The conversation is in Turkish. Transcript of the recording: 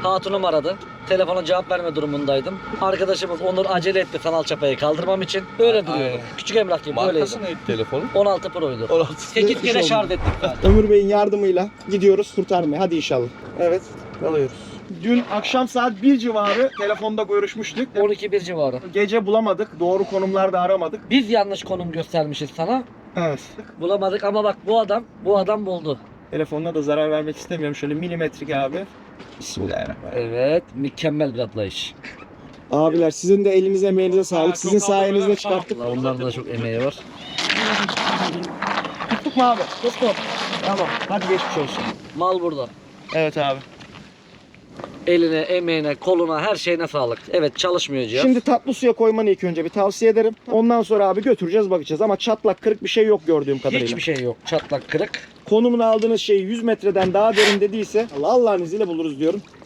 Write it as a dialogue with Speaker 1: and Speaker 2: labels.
Speaker 1: Hatunum aradı. Telefona cevap verme durumundaydım. Arkadaşımız Onur acele etti sanal çapayı kaldırmam için. Öyle duruyor.
Speaker 2: Aynen.
Speaker 1: Küçük emlak gibi böyleydi.
Speaker 2: Markası neydi telefonun?
Speaker 1: 16 Pro'ydu.
Speaker 2: 16.
Speaker 1: 8 kere şarj ettik zaten.
Speaker 3: Ömür Bey'in yardımıyla gidiyoruz kurtarmaya. Hadi inşallah. Evet. Alıyoruz. Dün akşam saat 1 civarı telefonda görüşmüştük.
Speaker 1: 12-1 civarı.
Speaker 3: Gece bulamadık. Doğru konumlarda aramadık.
Speaker 1: Biz yanlış konum göstermişiz sana.
Speaker 3: Evet.
Speaker 1: Bulamadık ama bak bu adam buldu.
Speaker 3: Telefonuna da zarar vermek istemiyorum. Şöyle milimetrik abi. Bismillahirrahmanirrahim.
Speaker 1: Evet, mükemmel bir atlayış.
Speaker 3: Abiler sizin de elinize emeğinize sağlık. Sizin sayenizde çıkarttık.
Speaker 1: Allah, onların da çok emeği var.
Speaker 3: Tuttuk mu abi? Tuttuk. Tamam. Hadi geçmiş olsun.
Speaker 1: Mal burada.
Speaker 3: Evet abi.
Speaker 1: Eline, emeğine, koluna, her şeyine sağlık. Evet, çalışmıyor cihaz.
Speaker 3: Şimdi tatlı suya koymanı ilk önce bir tavsiye ederim. Ondan sonra abi götüreceğiz bakacağız. Ama çatlak kırık bir şey yok gördüğüm kadarıyla.
Speaker 1: hiçbir şey yok. Çatlak, kırık.
Speaker 3: Konumunu aldığınız şey 100 metreden daha derin dediyse Allah'ın izniyle buluruz diyorum.